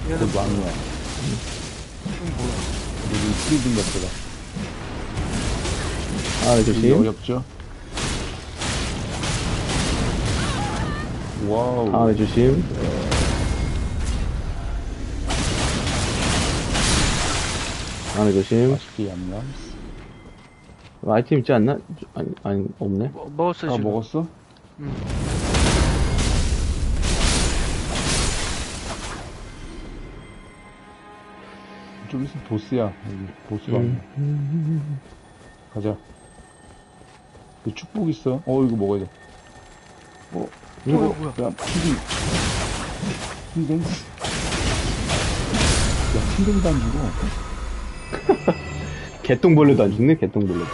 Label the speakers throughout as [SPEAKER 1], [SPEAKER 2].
[SPEAKER 1] 얘는
[SPEAKER 2] 곧 왕이야.
[SPEAKER 1] 뭐야?
[SPEAKER 2] 여기 프리즌 같더라.
[SPEAKER 3] 아,
[SPEAKER 2] 여기
[SPEAKER 3] 조심.
[SPEAKER 2] 어렵죠? 와우.
[SPEAKER 3] 아, 조심. 아, 조심.
[SPEAKER 2] 맛있게 얌얌.
[SPEAKER 3] 아이템 있지 않나? 아니, 없네.
[SPEAKER 1] 먹었어
[SPEAKER 2] 다
[SPEAKER 1] 지금.
[SPEAKER 2] 먹었어?
[SPEAKER 1] 응.
[SPEAKER 2] 좀 있으면 보스야. 여기 보스 왕이야. 가자. 그 축복 있어. 이거 먹어야 돼.
[SPEAKER 3] 이거,
[SPEAKER 1] 뭐야?
[SPEAKER 2] 야, 핑댕. 야, 핑댕도 안 주고.
[SPEAKER 3] 개똥벌레도 안 죽네, 개똥벌레도.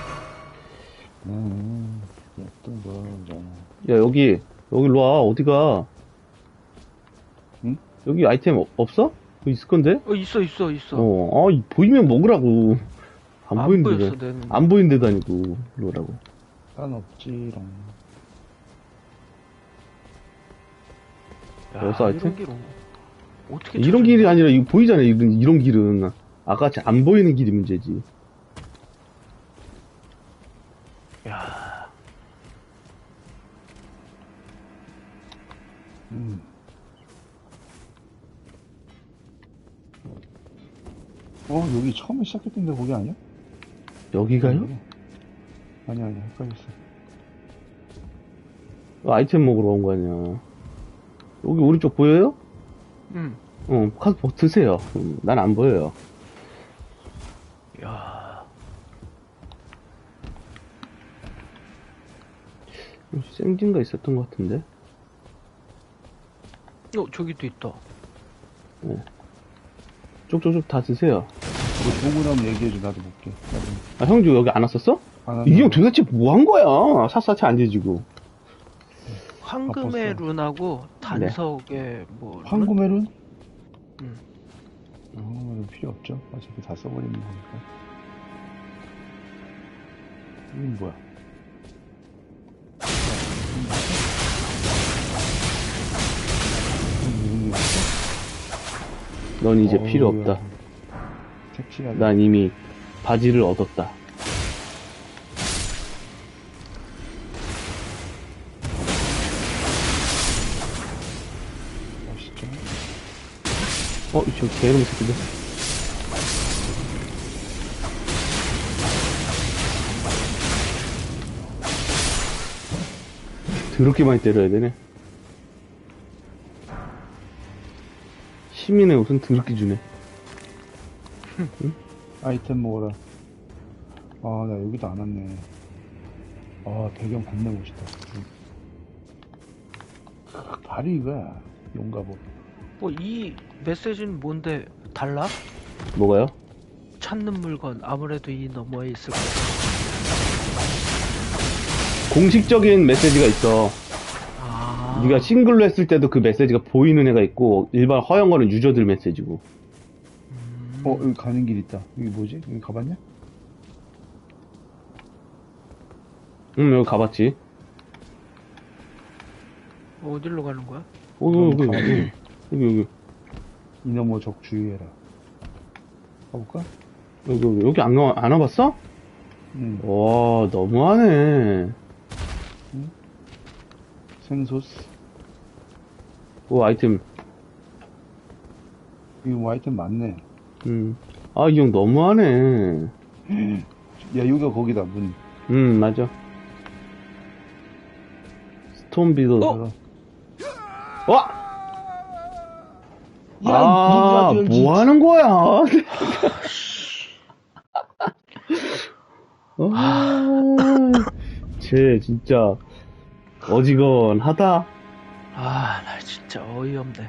[SPEAKER 2] 또 뭐야.
[SPEAKER 3] 야, 여기로 와, 어디가?
[SPEAKER 2] 응?
[SPEAKER 3] 여기 아이템 없어? 여기 있을 건데?
[SPEAKER 1] 있어.
[SPEAKER 3] 보이면 먹으라고. 안
[SPEAKER 1] 안
[SPEAKER 3] 보이는데.
[SPEAKER 1] 보였어, 내는.
[SPEAKER 3] 안 보이는 데도 아니고, 일로 오라고.
[SPEAKER 2] 난 없지롱.
[SPEAKER 1] 야,
[SPEAKER 3] 여기서 하여튼?
[SPEAKER 1] 이런 길 어떻게
[SPEAKER 3] 이런 길이 아니라, 이거 보이잖아, 이런 길은. 아까같이 안 보이는 길이 문제지.
[SPEAKER 1] 야,
[SPEAKER 2] 여기 처음에 시작했던 데 거기 아니야?
[SPEAKER 3] 여기가요?
[SPEAKER 2] 아니야, 헷갈렸어.
[SPEAKER 3] 아이템 먹으러 온 거 아니야. 여기 오른쪽 보여요?
[SPEAKER 1] 응.
[SPEAKER 3] 가서 드세요. 난 안 보여요.
[SPEAKER 1] 야,
[SPEAKER 3] 생진가 있었던 것 같은데?
[SPEAKER 1] 저기도 있다.
[SPEAKER 3] 쪽쪽쪽 다 드세요.
[SPEAKER 2] 뭐 좋은 거 나오면 얘기해줘. 나도 볼게.
[SPEAKER 3] 아, 형주 여기 안 왔었어?
[SPEAKER 2] 안
[SPEAKER 3] 이 형
[SPEAKER 2] 한다고.
[SPEAKER 3] 도대체 뭐 한 거야? 샅샅이 안 뒤지고.
[SPEAKER 1] 황금의
[SPEAKER 2] 바빴어.
[SPEAKER 1] 룬하고 단석의 뭐
[SPEAKER 2] 황금의 룬?
[SPEAKER 1] 응.
[SPEAKER 2] 황금의 룬 필요 없죠. 어차피 다 써버리는 거니까. 이건 뭐야? 이런 게 있어?
[SPEAKER 3] 넌 이제 필요
[SPEAKER 2] 어우야.
[SPEAKER 3] 없다.
[SPEAKER 2] 섹시하다.
[SPEAKER 3] 난 이미 바지를 얻었다.
[SPEAKER 2] 멋있죠?
[SPEAKER 3] 저 개놈 새끼들. 더럽게 많이 때려야 되네. 시민의 옷은 더럽게 주네.
[SPEAKER 2] 아이템 먹어라. 나 여기도 안 왔네. 배경 겁나 멋있다. 발이 이거야. 용가복.
[SPEAKER 1] 이 메시지는 뭔데 달라?
[SPEAKER 3] 뭐가요?
[SPEAKER 1] 찾는 물건 아무래도 이 너머에 있을 거야.
[SPEAKER 3] 공식적인 메시지가 있어.
[SPEAKER 1] 아,
[SPEAKER 3] 네가 싱글로 했을 때도 그 메시지가 보이는 애가 있고, 일반 허용 거는 유저들 메시지고.
[SPEAKER 2] 여기 가는 길 있다. 여기 뭐지? 여기 가봤냐?
[SPEAKER 3] 여기 가봤지.
[SPEAKER 1] 어디로 가는 거야?
[SPEAKER 3] 여기.
[SPEAKER 2] 이너머 적 주의해라. 가볼까?
[SPEAKER 3] 여기 안 와봤어?
[SPEAKER 2] 응.
[SPEAKER 3] 와, 너무하네.
[SPEAKER 2] 생소스.
[SPEAKER 3] 아이템.
[SPEAKER 2] 여기 뭐 아이템 많네.
[SPEAKER 3] 이 형 너무하네.
[SPEAKER 2] 야, 여기가 거기다, 문.
[SPEAKER 3] 맞아. 스톤비드. 와!
[SPEAKER 2] 야, 문 열지.
[SPEAKER 3] 뭐 하는 거야? 쟤 진짜 어지간하다.
[SPEAKER 1] 나 진짜 어이없네.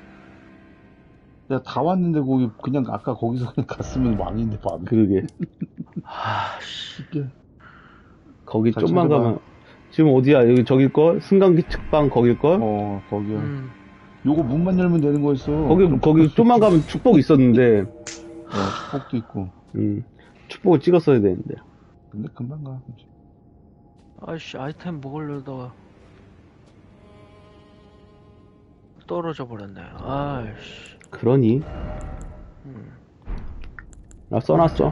[SPEAKER 2] 야, 다 왔는데 거기 그냥 아까 거기서 그냥 갔으면 왕인데 봐.
[SPEAKER 3] 그러게.
[SPEAKER 2] 쉽게.
[SPEAKER 3] 거기
[SPEAKER 2] 잘
[SPEAKER 3] 좀만
[SPEAKER 2] 찾아봐.
[SPEAKER 3] 가면 지금 어디야? 여기 저길걸? 승강기 측방 거길걸?
[SPEAKER 2] 거기야.
[SPEAKER 1] 음.
[SPEAKER 2] 요거 문만 열면 되는 거였어.
[SPEAKER 3] 거기 좀만 가면 축복 있었는데.
[SPEAKER 2] 축복도 있고.
[SPEAKER 3] 축복을 찍었어야 되는데.
[SPEAKER 2] 근데 금방 가.
[SPEAKER 1] 아이씨, 아이템 먹으려다가 떨어져 버렸네. 아이씨.
[SPEAKER 3] 그러니? 나 써놨어.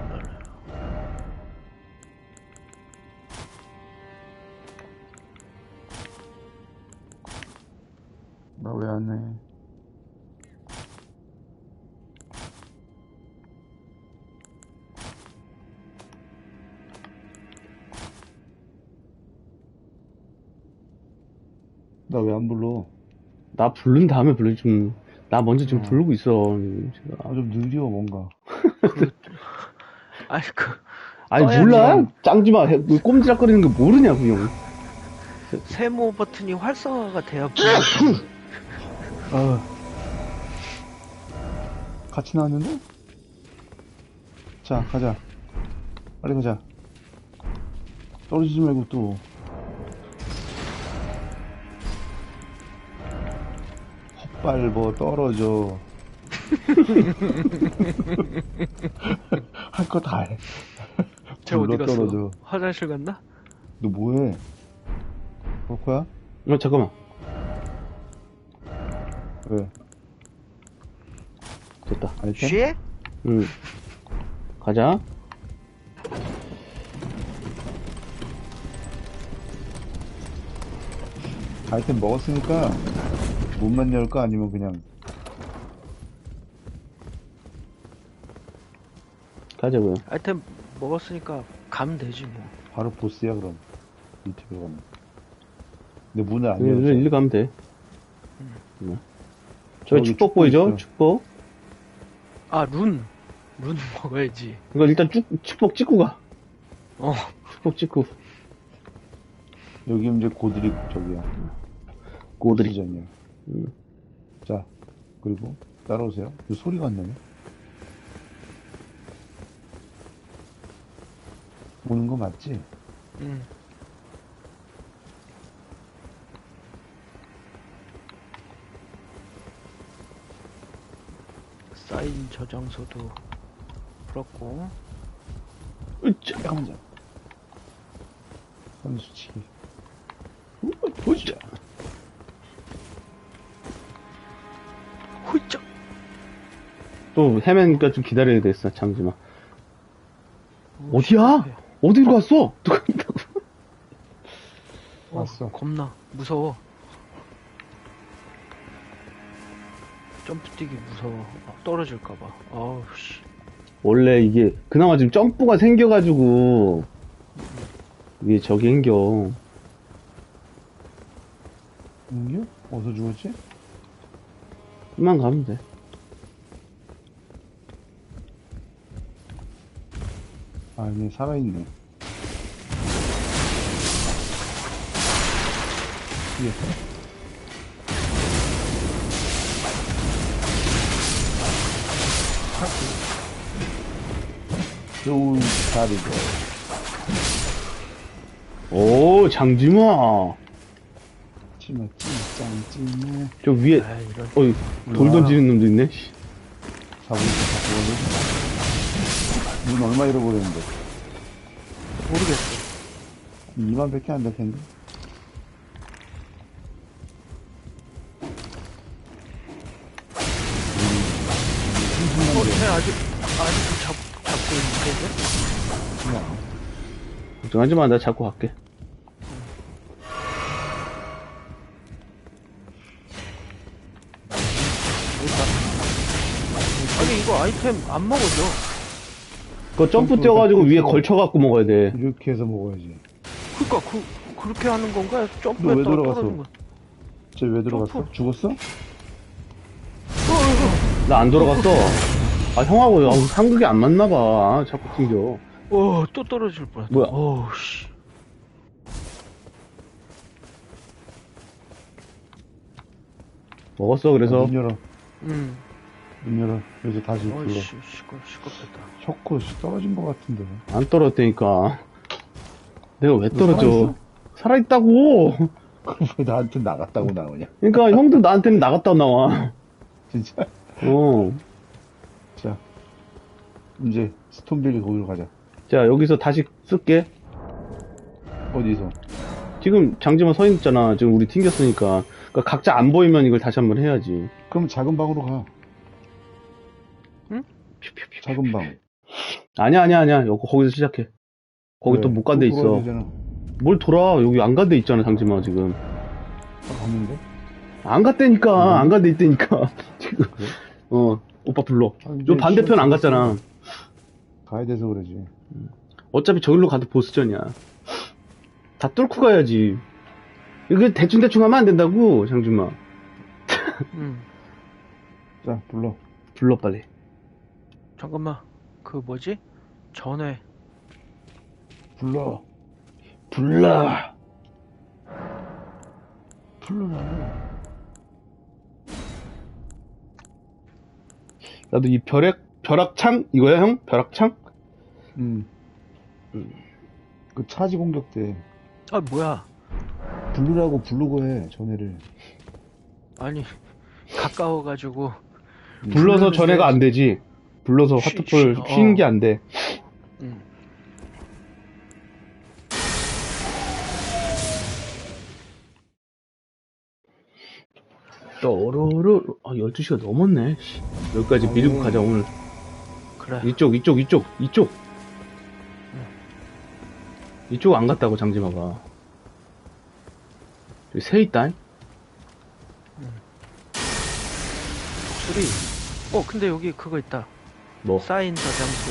[SPEAKER 2] 나 왜 안 해? 나 왜 안 불러?
[SPEAKER 3] 나 부른 다음에 불러 좀. 나 먼저 지금 부르고 있어. 제가.
[SPEAKER 2] 아, 좀 느려, 뭔가.
[SPEAKER 1] 아이
[SPEAKER 3] 아니
[SPEAKER 1] 떠야지.
[SPEAKER 3] 몰라? 짱지마. 꼼지락거리는 거 모르냐고 형.
[SPEAKER 1] 세모 버튼이 활성화가 돼야
[SPEAKER 2] 아. 같이 나왔는데? 자, 가자. 빨리 가자. 떨어지지 말고 또. 헛발버 떨어져. 할 거 다 해.
[SPEAKER 1] 쟤 어디
[SPEAKER 2] 굴러
[SPEAKER 1] 갔어?
[SPEAKER 2] 떨어져.
[SPEAKER 1] 화장실 갔나?
[SPEAKER 2] 너 뭐해? 버커야?
[SPEAKER 3] 잠깐만.
[SPEAKER 2] 왜?
[SPEAKER 3] 됐다.
[SPEAKER 2] 아이템?
[SPEAKER 1] 쉬?
[SPEAKER 3] 응. 가자.
[SPEAKER 2] 아이템 먹었으니까 문만 열까 아니면 그냥
[SPEAKER 3] 가자고요.
[SPEAKER 1] 아이템 먹었으니까 가면 되지 뭐.
[SPEAKER 2] 바로 보스야 그럼 유튜브에 가면. 근데 문을 안
[SPEAKER 3] 일로,
[SPEAKER 2] 열었어.
[SPEAKER 3] 일로 가면 돼. 저기
[SPEAKER 2] 저기
[SPEAKER 3] 축복
[SPEAKER 2] 축복
[SPEAKER 3] 보이죠?
[SPEAKER 2] 있어요.
[SPEAKER 3] 축복.
[SPEAKER 1] 아, 룬 먹어야지.
[SPEAKER 3] 이거 일단 축복 찍고 가.
[SPEAKER 1] 어.
[SPEAKER 3] 축복 찍고.
[SPEAKER 2] 여기 이제 고드릭 저기야.
[SPEAKER 3] 고드릭.
[SPEAKER 2] 시전이야. 자, 그리고 따라오세요. 이 소리가 안 나네. 오는 거 맞지?
[SPEAKER 1] 응. 사인 저장소도 풀었고.
[SPEAKER 3] 으쌰.
[SPEAKER 2] 잠깐만. 선수치기.
[SPEAKER 3] 보자.
[SPEAKER 1] 훌쩍.
[SPEAKER 3] 또 헤매니까 좀 기다려야 되겠어. 잠시만. 어디야? 어디로 갔어? 누가 있다고?
[SPEAKER 2] 왔어.
[SPEAKER 1] 겁나 무서워. 점프 뛰기 무서워. 떨어질까봐. 아우 씨.
[SPEAKER 3] 원래 이게 그나마 지금 점프가 생겨가지고 이게 저기 생겨.
[SPEAKER 2] 은규? 어디서 죽었지?
[SPEAKER 3] 좀만 가면 돼.
[SPEAKER 2] 아, 얘 살아있네. 예. 좋은 자리죠.
[SPEAKER 3] 오, 장지마.
[SPEAKER 2] 찜해, 찜해.
[SPEAKER 3] 저 위에,
[SPEAKER 1] 아 이런.
[SPEAKER 3] 어이, 돌 던지는 놈도 있네. 씨.
[SPEAKER 2] 사부님, 눈 얼마 잃어버렸는데?
[SPEAKER 1] 모르겠어.
[SPEAKER 2] 2만 밖에 안 될 텐데?
[SPEAKER 1] 쟤 아직도 잡고 있는
[SPEAKER 2] 그냥.
[SPEAKER 3] 걱정하지 마, 나 잡고 갈게.
[SPEAKER 1] 아니 이거 아이템 안 먹어져.
[SPEAKER 3] 그거 점프 뛰어가지고 위에 걸쳐갖고 먹어야 돼.
[SPEAKER 2] 이렇게 해서 먹어야지.
[SPEAKER 1] 그니까 그렇게 하는 건가?
[SPEAKER 2] 너 왜
[SPEAKER 1] 점프했다가
[SPEAKER 2] 들어갔어?
[SPEAKER 1] 떨어진 거.
[SPEAKER 2] 쟤 왜 들어갔어?
[SPEAKER 1] 점프.
[SPEAKER 2] 죽었어?
[SPEAKER 3] 나 안 돌아갔어. 아, 형하고 상극이 안 맞나봐. 아, 자꾸 튕겨.
[SPEAKER 1] 또 떨어질 뻔했다.
[SPEAKER 3] 뭐야?
[SPEAKER 1] 어우 씨.
[SPEAKER 3] 먹었어, 그래서.
[SPEAKER 2] 문 열어.
[SPEAKER 1] 응.
[SPEAKER 2] 문 열어. 이제 다시 불러.
[SPEAKER 1] 어이씨 시끄럽다.
[SPEAKER 2] 셔코 떨어진 것 같은데.
[SPEAKER 3] 안 떨어졌다니까. 내가 왜
[SPEAKER 2] 너
[SPEAKER 3] 떨어져? 살아있다고!
[SPEAKER 2] 그럼 왜 나한테 나갔다고 나오냐?
[SPEAKER 3] 그러니까 형도 나한테는 나갔다 나와.
[SPEAKER 2] 진짜?
[SPEAKER 3] 어.
[SPEAKER 2] 자, 이제 스톤빌리 거기로 가자.
[SPEAKER 3] 자, 여기서 다시 쓸게.
[SPEAKER 2] 어디서?
[SPEAKER 3] 지금 장지만 서 있잖아. 지금 우리 튕겼으니까. 그러니까 각자 안 보이면 이걸 다시 한번 해야지.
[SPEAKER 2] 그럼 작은 방으로 가. 작은 방.
[SPEAKER 3] 아니야. 여기 거기서 시작해. 거기
[SPEAKER 2] 왜?
[SPEAKER 3] 또 못 간 데
[SPEAKER 2] 또
[SPEAKER 3] 있어.
[SPEAKER 2] 돌아야 되잖아.
[SPEAKER 3] 뭘 돌아? 여기 안 간 데 있잖아, 장지마, 지금.
[SPEAKER 2] 갔는데?
[SPEAKER 3] 안 갔다니까. 안 간 데 있다니까. 지금.
[SPEAKER 2] 그래?
[SPEAKER 3] 오빠 불러.
[SPEAKER 2] 아, 이제
[SPEAKER 3] 요 반대편 안
[SPEAKER 2] 시간
[SPEAKER 3] 갔잖아.
[SPEAKER 2] 가야 돼서 그러지.
[SPEAKER 3] 어차피 저기로 가도 보스전이야. 다 뚫고 가야지. 이거 대충대충 하면 안 된다고, 장준마.
[SPEAKER 2] 자, 불러.
[SPEAKER 3] 불러, 빨리.
[SPEAKER 1] 잠깐만. 그 뭐지? 전에
[SPEAKER 2] 불러.
[SPEAKER 3] 불러.
[SPEAKER 2] 불러라.
[SPEAKER 3] 나도 이 벼락창? 이거야, 형? 벼락창?
[SPEAKER 2] 그 차지 공격 때
[SPEAKER 1] 아 뭐야?
[SPEAKER 2] 부르라고 부르고 해, 전해를.
[SPEAKER 1] 아니 가까워가지고
[SPEAKER 3] 불러서
[SPEAKER 1] 불러는
[SPEAKER 3] 전해가 안 되지. 불러서
[SPEAKER 1] 쉬-
[SPEAKER 3] 화투볼
[SPEAKER 1] 쉬-
[SPEAKER 3] 쉬는 게 안 돼.
[SPEAKER 1] 응.
[SPEAKER 3] 또로로 12시가 넘었네. 씨. 여기까지 밀고 가자, 오늘.
[SPEAKER 1] 그래.
[SPEAKER 3] 이쪽. 이쪽 안 갔다고, 장지마가. 저기 새 있다.
[SPEAKER 1] 독수리. 근데 여기 그거 있다.
[SPEAKER 3] 뭐?
[SPEAKER 1] 사인 저장소.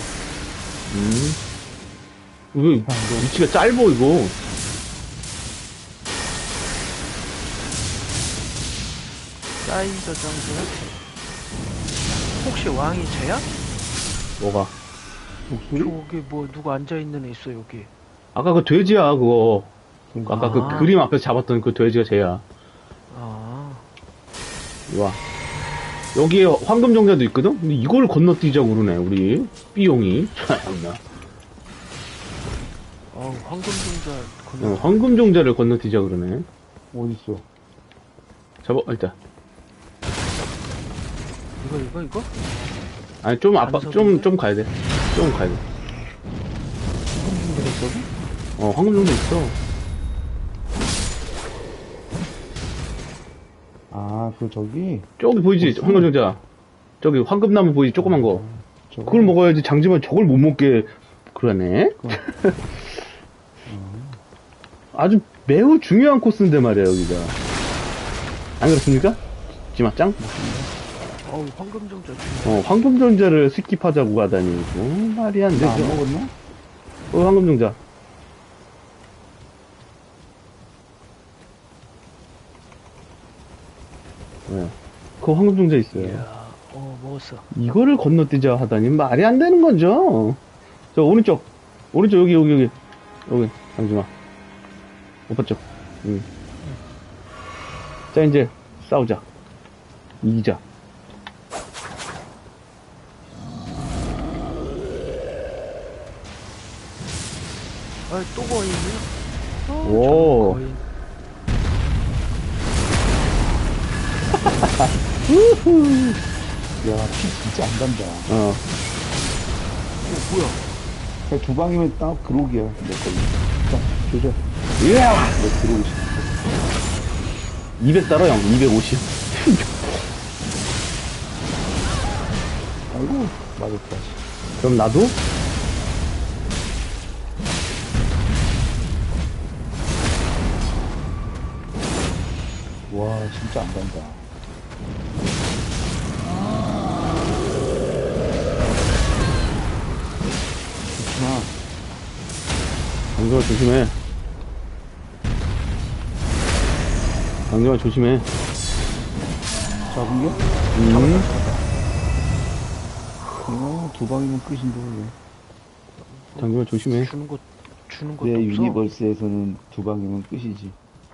[SPEAKER 3] 이거 위치가 짧어, 이거.
[SPEAKER 1] 사인 저장소는 혹시 왕이 쟤야?
[SPEAKER 3] 뭐가?
[SPEAKER 2] 목소리?
[SPEAKER 1] 저기 뭐 누가 앉아 있는 애 있어 여기.
[SPEAKER 3] 아까 그 돼지야, 그거. 아까 그
[SPEAKER 1] 아.
[SPEAKER 3] 그림 앞에서 잡았던 그 돼지가 쟤야.
[SPEAKER 1] 아.
[SPEAKER 3] 이리 와. 여기에 황금정자도 있거든? 근데 이걸 건너뛰자고 그러네, 우리. B용이. 참나.
[SPEAKER 1] 황금종자 건너.
[SPEAKER 3] 황금정자를 건너뛰자 그러네.
[SPEAKER 2] 어딨어?
[SPEAKER 3] 잡아, 일단.
[SPEAKER 1] 이거?
[SPEAKER 3] 아니, 좀
[SPEAKER 1] 반석인데?
[SPEAKER 3] 좀 가야 돼. 좀 가야 돼. 황금정자 있어.
[SPEAKER 2] 아, 그 저기?
[SPEAKER 3] 저기 보이지?
[SPEAKER 2] 있어?
[SPEAKER 3] 황금정자. 저기 황금나무 보이지? 조그만 거.
[SPEAKER 2] 저거?
[SPEAKER 3] 그걸 먹어야지. 장지만 저걸 못 먹게 그러네. 아주 매우 중요한 코스인데 말이야, 여기가. 안 그렇습니까? 지마짱?
[SPEAKER 1] 황금종자.
[SPEAKER 3] 황금정자를 스킵하자고 하다니. 말이 안 되죠.
[SPEAKER 2] 나 안 먹었나?
[SPEAKER 3] 황금정자. 네. 그 황금정자 있어요.
[SPEAKER 1] 이야, 먹었어.
[SPEAKER 3] 이거를 건너뛰자 하다니 말이 안 되는 거죠. 저 오른쪽 여기 잠시만. 오빠 쪽. 자, 이제 싸우자. 이기자.
[SPEAKER 1] 또 거인이야?
[SPEAKER 3] 오.
[SPEAKER 1] 거인.
[SPEAKER 2] 야, 피 진짜 안 간다.
[SPEAKER 1] 뭐야?
[SPEAKER 2] 그냥 두 방이면 딱 그록이야, 내 걸로. 자, 조져.
[SPEAKER 3] 이야!
[SPEAKER 2] 내 들어오고 싶어.
[SPEAKER 3] 200 따라 형, 250.
[SPEAKER 2] 아이고, 맞았다.
[SPEAKER 3] 그럼 나도?
[SPEAKER 2] 와, 진짜 안 간다. 좋구나.
[SPEAKER 3] 강정아 조심해. 강정아 조심해.
[SPEAKER 2] 잡은 게? 두 방이면 끝인데, 왜.
[SPEAKER 3] 강정아 조심해.
[SPEAKER 1] 주는 것도
[SPEAKER 2] 내
[SPEAKER 1] 없어.
[SPEAKER 2] 유니버스에서는 두 방이면 끝이지.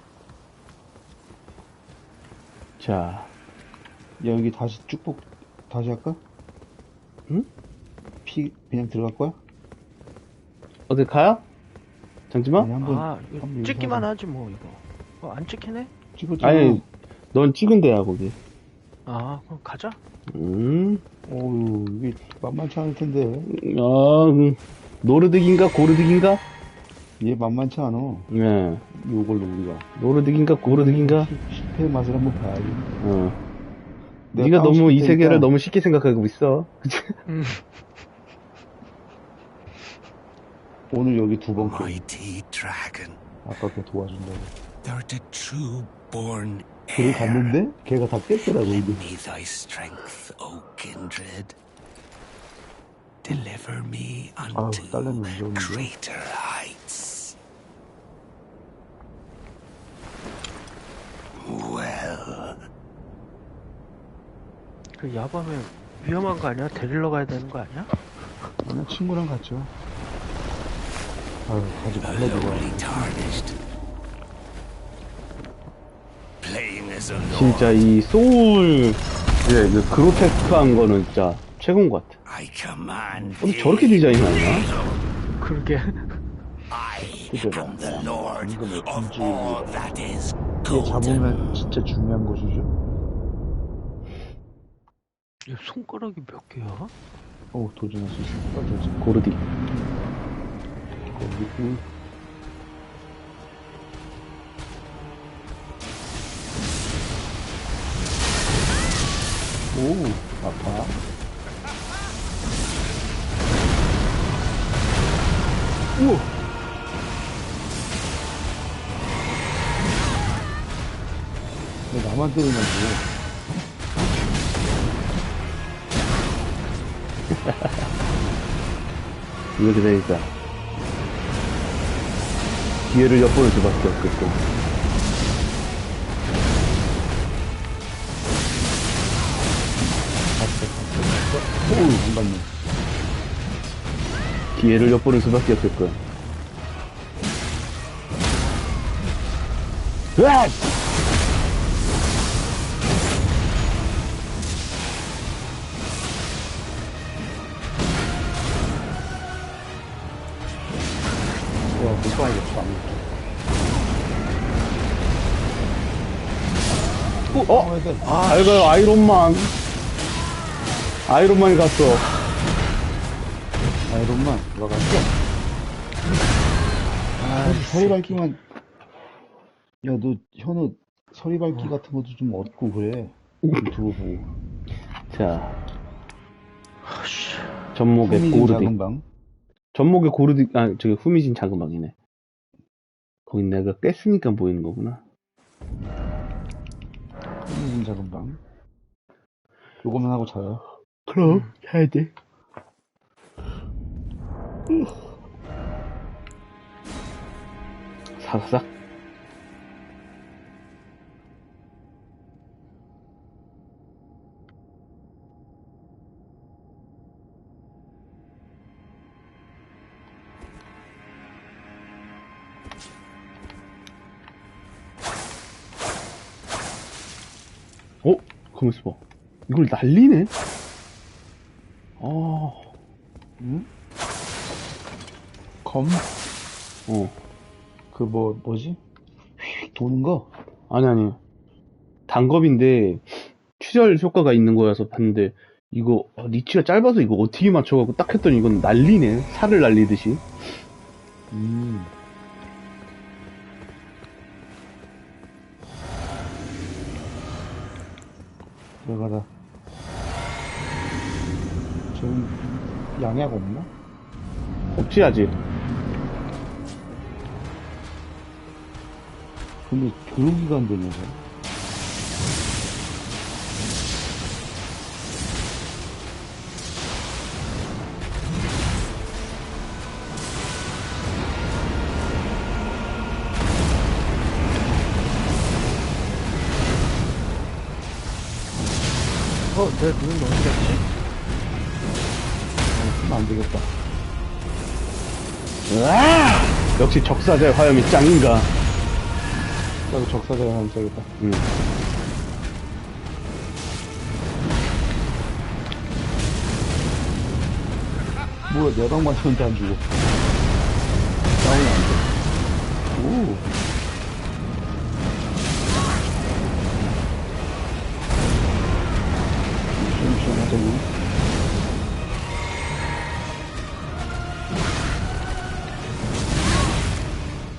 [SPEAKER 3] 자,
[SPEAKER 2] 야, 여기 다시 쭉복, 다시 할까?
[SPEAKER 3] 응?
[SPEAKER 2] 피, 그냥 들어갈 거야?
[SPEAKER 3] 어디 가요? 장지마?
[SPEAKER 2] 아니, 한번,
[SPEAKER 1] 이거
[SPEAKER 2] 한번
[SPEAKER 1] 찍기만
[SPEAKER 2] 하자.
[SPEAKER 1] 하지 뭐 이거. 안 찍히네?
[SPEAKER 2] 찍었잖아.
[SPEAKER 3] 아니, 넌 찍은 데야, 거기.
[SPEAKER 1] 그럼 가자.
[SPEAKER 2] 어우, 이게 만만치 않을 텐데.
[SPEAKER 3] 노르득인가, 고르득인가?
[SPEAKER 2] 얘 만만치 않아.
[SPEAKER 3] 네.
[SPEAKER 2] 요걸로 우리가.
[SPEAKER 3] 노르득인가, 고르득인가?
[SPEAKER 2] 실패의 맛을 한번 봐야지.
[SPEAKER 3] 네가 너무
[SPEAKER 2] 다운시킬
[SPEAKER 3] 이 세계를
[SPEAKER 2] 테니까
[SPEAKER 3] 너무 쉽게 생각하고 있어. 그치?
[SPEAKER 2] 오늘 여기 두 번 깨.
[SPEAKER 4] Mighty dragon,
[SPEAKER 2] 아까 걔 도와준다고.
[SPEAKER 4] thou the true born
[SPEAKER 2] 길을
[SPEAKER 4] heir.
[SPEAKER 2] 갔는데 걔가 다 깼더라고
[SPEAKER 4] Lend
[SPEAKER 2] 이게.
[SPEAKER 4] me thy strength, O kindred. Deliver me unto
[SPEAKER 2] 딸내미 무서운데.
[SPEAKER 4] greater heights. Well,
[SPEAKER 1] 그 야밤에 위험한 거 아니야? 데리러 가야 되는 거 아니야?
[SPEAKER 2] 그냥 친구랑 갔죠. 아유 가지 말라고.
[SPEAKER 4] lowly tarnished. Playing as a lord,
[SPEAKER 3] 진짜 이 소울, 그 그로테스크한 거는 진짜 최고인 것 같아.
[SPEAKER 4] I command
[SPEAKER 3] 어떻게
[SPEAKER 4] thee.
[SPEAKER 3] 저렇게 디자인하냐?
[SPEAKER 1] 그러게.
[SPEAKER 4] I
[SPEAKER 2] 그대로.
[SPEAKER 4] am the lord
[SPEAKER 2] 이거는
[SPEAKER 4] of
[SPEAKER 2] 군주의
[SPEAKER 4] all that is
[SPEAKER 2] 얘
[SPEAKER 4] golden.
[SPEAKER 2] 잡으면 진짜 중요한 것이죠.
[SPEAKER 1] 얘 손가락이 몇 개야?
[SPEAKER 2] 오 도전할 수 있습니다. 도전.
[SPEAKER 3] 고르디.
[SPEAKER 2] 거기 오 아파. 우와. 왜 나만 때리냐고.
[SPEAKER 3] 이렇게 되니까 기회를 엿보는 수밖에 없겠고.
[SPEAKER 2] 오, 안 갔네.
[SPEAKER 3] 기회를 엿보는 수밖에 없겠고. 으악!
[SPEAKER 2] 와, 못 봐야겠다.
[SPEAKER 3] 어?
[SPEAKER 2] 해야 돼.
[SPEAKER 3] 잘 가요, 아이론만. 아이론만이 갔어.
[SPEAKER 2] 아이론만 들어갔어. 아, 서리 밝기만. 야, 너 현우 서리 밝기 같은 것도 좀 얻고 그래. 유튜브 보고.
[SPEAKER 3] 자. 전목의
[SPEAKER 2] 흥미진
[SPEAKER 3] 고르디.
[SPEAKER 2] 작은 방.
[SPEAKER 3] 전목의 고르디, 아, 저기 후미진 자그방이네. 거긴 내가 깼으니까 보이는 거구나.
[SPEAKER 2] 흥미진 작은 방. 요거만 하고 자요.
[SPEAKER 3] 그럼, 해야 돼. 사사삭. 가만있어 봐. 이걸 날리네?
[SPEAKER 2] 응? 검?
[SPEAKER 3] 어.
[SPEAKER 2] 그 뭐지? 휙 도는 거?
[SPEAKER 3] 아니. 단겁인데, 추절 효과가 있는 거여서 봤는데, 이거, 리치가 짧아서 이거 어떻게 맞춰갖고 딱 했더니 이건 날리네. 살을 날리듯이.
[SPEAKER 2] 들어가라. 지금 양약 없나?
[SPEAKER 3] 없지, 아직.
[SPEAKER 2] 근데 교육이가 안 되면서.
[SPEAKER 1] 내 눈은 어디 갔지?
[SPEAKER 2] 쓰면 안 되겠다.
[SPEAKER 3] 으아! 역시 적사자의 화염이 짱인가.
[SPEAKER 2] 나도 적사자가 하면 써야겠다. 뭐야, 내방 맞췄는데 안 죽어. 다운이 안 돼. 오. 시원시원하자고.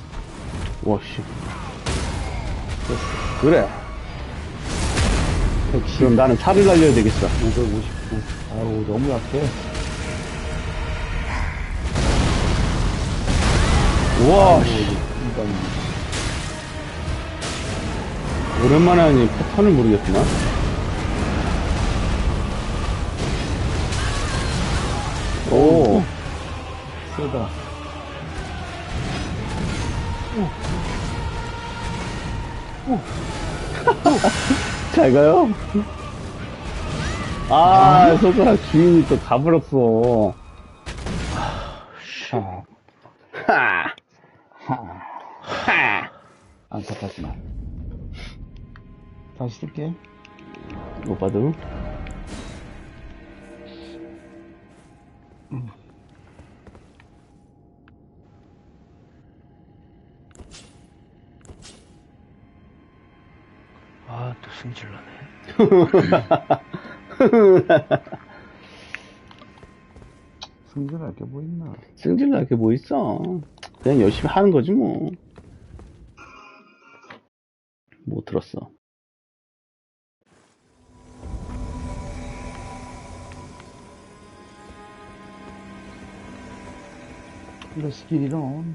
[SPEAKER 3] 와씨. 그래. 그럼 나는 4를 날려야 되겠어.
[SPEAKER 2] 559. 아우, 너무 약해.
[SPEAKER 3] 우와, 씨.
[SPEAKER 2] 일단,
[SPEAKER 3] 오랜만에 하니 패턴을 모르겠구나. 오,
[SPEAKER 2] 세다.
[SPEAKER 3] 잘 가요? 아, 손가락 주인이 또 가버렸어.
[SPEAKER 2] 하,
[SPEAKER 3] 하!
[SPEAKER 2] 하.
[SPEAKER 3] 하!
[SPEAKER 2] 안타깝지만. 다시 쓸게.
[SPEAKER 3] 오빠도.
[SPEAKER 1] 아, 또 승질나네.
[SPEAKER 2] 승진할 게 뭐 있나.
[SPEAKER 3] 승질 날 게 뭐 있어. 그냥 열심히 하는 거지, 뭐. 못 들었어.
[SPEAKER 2] Let's get it on.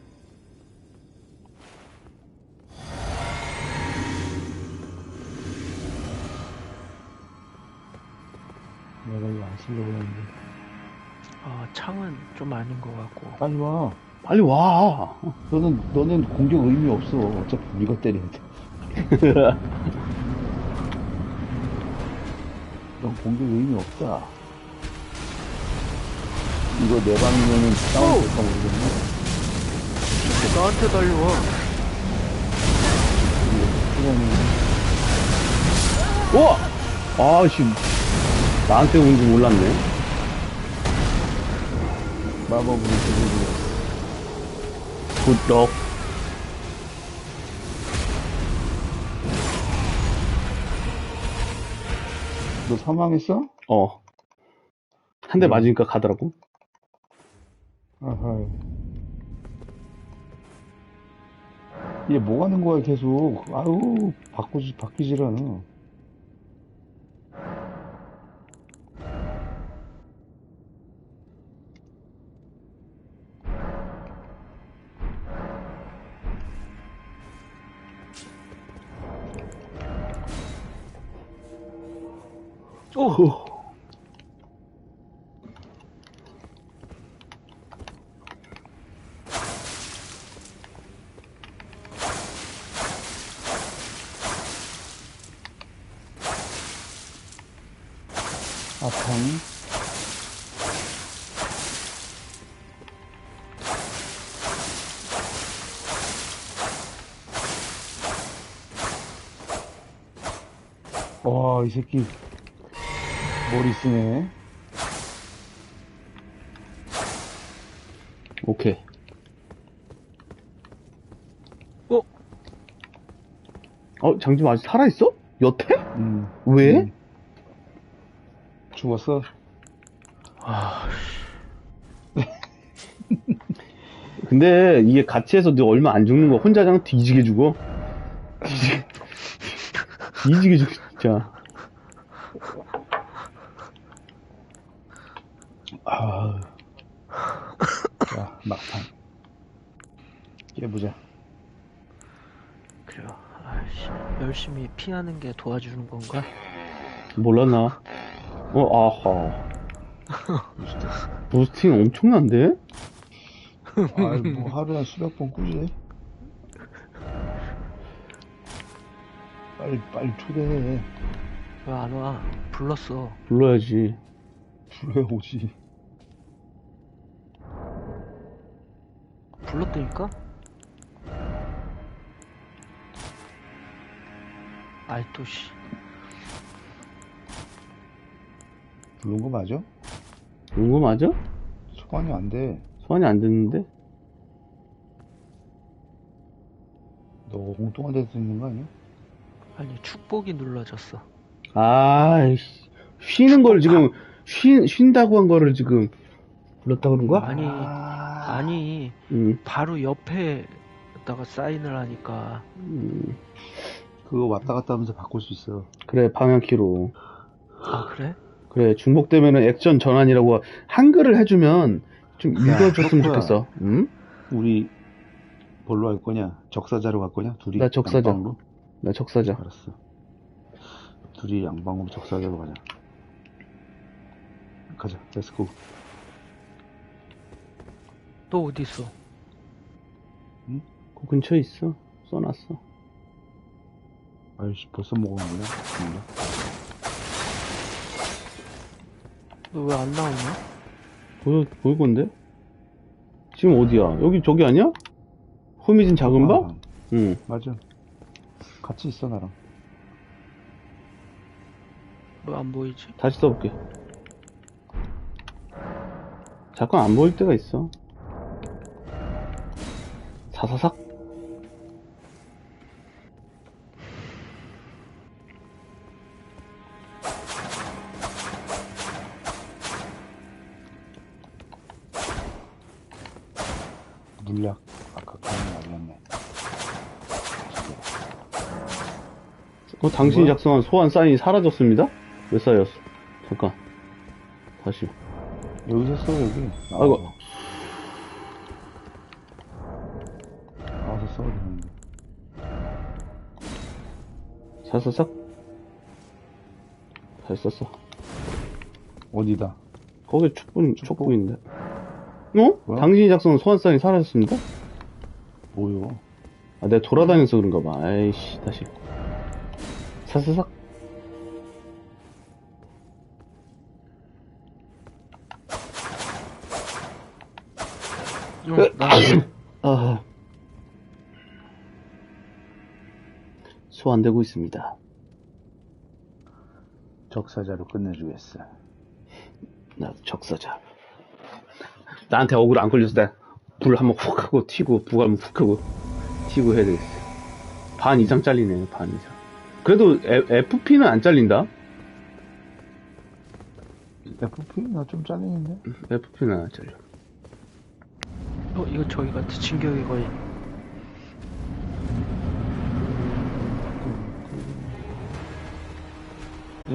[SPEAKER 2] 내가 이거 안 쓰려고 했는데.
[SPEAKER 1] 아, 창은 좀 아닌 것 같고.
[SPEAKER 2] 빨리 와.
[SPEAKER 3] 빨리 와.
[SPEAKER 2] 너는 공격 의미 없어. 어차피 우리가 때려야 돼. 넌 공격 의미 없다. 이거 내 방이면은 다운 될까 모르겠네.
[SPEAKER 1] 나한테 달려와.
[SPEAKER 3] 우와! 아씨, 나한테 온 줄 몰랐네.
[SPEAKER 2] 마법으로 들려주고.
[SPEAKER 3] 굿럭.
[SPEAKER 2] 너 사망했어?
[SPEAKER 3] 어. 한 대 맞으니까 가더라고.
[SPEAKER 2] 아하. 얘 뭐 하는 거야, 계속. 아유, 바뀌질 않아.
[SPEAKER 3] 오.
[SPEAKER 2] 아팡. 와, 이 새끼. 머리 쓰네.
[SPEAKER 3] 오케이. 장님 아직 살아있어? 여태? 왜?
[SPEAKER 2] 죽었어?
[SPEAKER 1] 아,
[SPEAKER 3] 근데 이게 같이 해서 너 얼마 안 죽는 거 혼자 그냥 뒤지게 죽어. 뒤지게 죽어, 진짜.
[SPEAKER 2] 아. 자, 막판. 깨보자.
[SPEAKER 1] 그래요. 아이씨, 열심히 피하는 게 도와주는 건가?
[SPEAKER 3] 몰랐나? 아하. 부스팅 엄청난데?
[SPEAKER 2] 아이, 뭐 하루에 수백 번 꾸지? 빨리 초대해.
[SPEAKER 1] 왜 안 와? 불렀어.
[SPEAKER 3] 불러야지.
[SPEAKER 2] 불러야 오지.
[SPEAKER 1] 불렀다니까? 아이, 또, 씨.
[SPEAKER 2] 부른 거 맞아?
[SPEAKER 3] 그런 거 맞아?
[SPEAKER 2] 소환이 안 돼.
[SPEAKER 3] 소환이 안 됐는데?
[SPEAKER 2] 너 엉뚱한 데서 있는 거 아니야?
[SPEAKER 1] 아니, 축복이 눌러졌어.
[SPEAKER 3] 아이씨. 쉬는 걸 지금, 쉰다고 한 거를 지금 불렀다 그런 거야?
[SPEAKER 1] 아니,
[SPEAKER 3] 응.
[SPEAKER 1] 바로 옆에다가 사인을 하니까.
[SPEAKER 2] 그거 왔다 갔다 하면서 바꿀 수 있어.
[SPEAKER 3] 그래, 방향키로.
[SPEAKER 1] 아, 그래?
[SPEAKER 3] 그래, 중복되면은 액션 전환이라고 한글을 해주면 좀 읽어줬으면
[SPEAKER 2] 혁구야.
[SPEAKER 3] 좋겠어. 응?
[SPEAKER 2] 우리 뭘로 할 거냐? 적사자로 갈 거냐? 둘이
[SPEAKER 3] 나 적사자.
[SPEAKER 2] 양방으로?
[SPEAKER 3] 나 적사자.
[SPEAKER 2] 알았어. 둘이 양방으로 적사자로 가자. 가자. 렛츠고.
[SPEAKER 1] 또 어디 있어?
[SPEAKER 3] 그 근처에 있어. 써놨어.
[SPEAKER 2] 아이씨, 벌써 먹었는구나. 몰라.
[SPEAKER 1] 너 왜 안 나오냐?
[SPEAKER 3] 보일 건데? 지금 어디야? 여기 저기 아니야? 호미진 작은 방?
[SPEAKER 2] 아,
[SPEAKER 3] 응.
[SPEAKER 2] 맞아. 같이 있어, 나랑.
[SPEAKER 1] 왜 안 보이지?
[SPEAKER 3] 다시 써볼게. 잠깐 안 보일 때가 있어. 사사삭.
[SPEAKER 2] 물약. 아까 그런 거 알렸네.
[SPEAKER 3] 당신이
[SPEAKER 2] 뭐야?
[SPEAKER 3] 작성한 소환 사인이 사라졌습니다? 왜 쌓였어? 잠깐. 다시.
[SPEAKER 2] 여기서 써, 여기.
[SPEAKER 3] 아이고.
[SPEAKER 2] 나와서 써도 되는데.
[SPEAKER 3] 사사삭. 잘 썼어.
[SPEAKER 2] 어디다?
[SPEAKER 3] 거기 촉보인데. 어?
[SPEAKER 2] 뭐야?
[SPEAKER 3] 당신이 작성한 소환 사인이 사라졌습니다?
[SPEAKER 2] 뭐요?
[SPEAKER 3] 아, 내가 돌아다녀서 그런가 봐. 아이씨, 다시. 사사삭.
[SPEAKER 1] 나
[SPEAKER 3] 아. 소환되고 있습니다.
[SPEAKER 2] 적사자로 끝내주겠어.
[SPEAKER 3] 나 적사자. 나한테 억울 안 걸려서 내가 불 한번 훅 하고 튀고, 부가 한번 훅 하고 튀고 해야 되겠어. 반 이상 잘리네, 반 이상. 그래도 FP는 안 잘린다?
[SPEAKER 2] FP? 나 좀 잘리는데?
[SPEAKER 3] FP는 안 잘려.
[SPEAKER 1] 이거 저기 같아. 진격의 거인.